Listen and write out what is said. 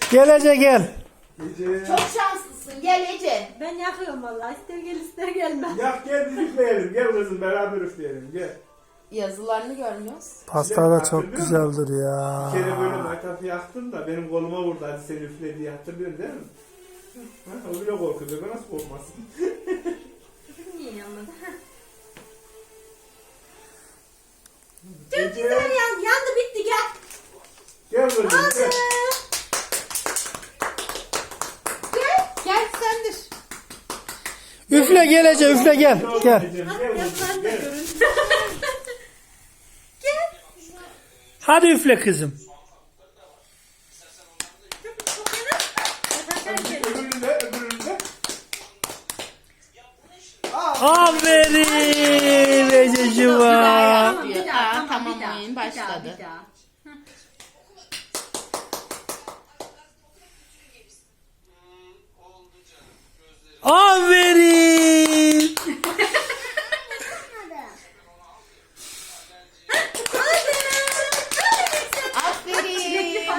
Gel Ece gel. Ece. Çok şanslısın. Gel Ece. Ben yakıyorum vallahi. İster gel ister gelme. Yak gel biz üfleyelim. Gel kızım beraber üfleyelim. Gel. Yazılarını görmüyoruz. Pasta da çok güzeldir ya. Bir kere böyle maytapı yaktın da benim koluma vurdu. Hadi seni üfle diye hatırlıyorsun değil mi? Ha, o bile korkuyor. Ben nasıl korkmasın? Niye yanmadı? Ece. Çok güzel yandı bitti gel. Gel kızım gel. Gel sendir. Üfle gel Ece üfle gel. Gel. Ecem, Hadi gel yazılarını kızım da gel. görün. Hadi üfle kızım. Öbürünü de öbürünü de. Aferin Ececiğim. Tamam, Bir daha, Tamam, tamam, bir daha, oyun bir daha, başladı. bir daha. Aferin.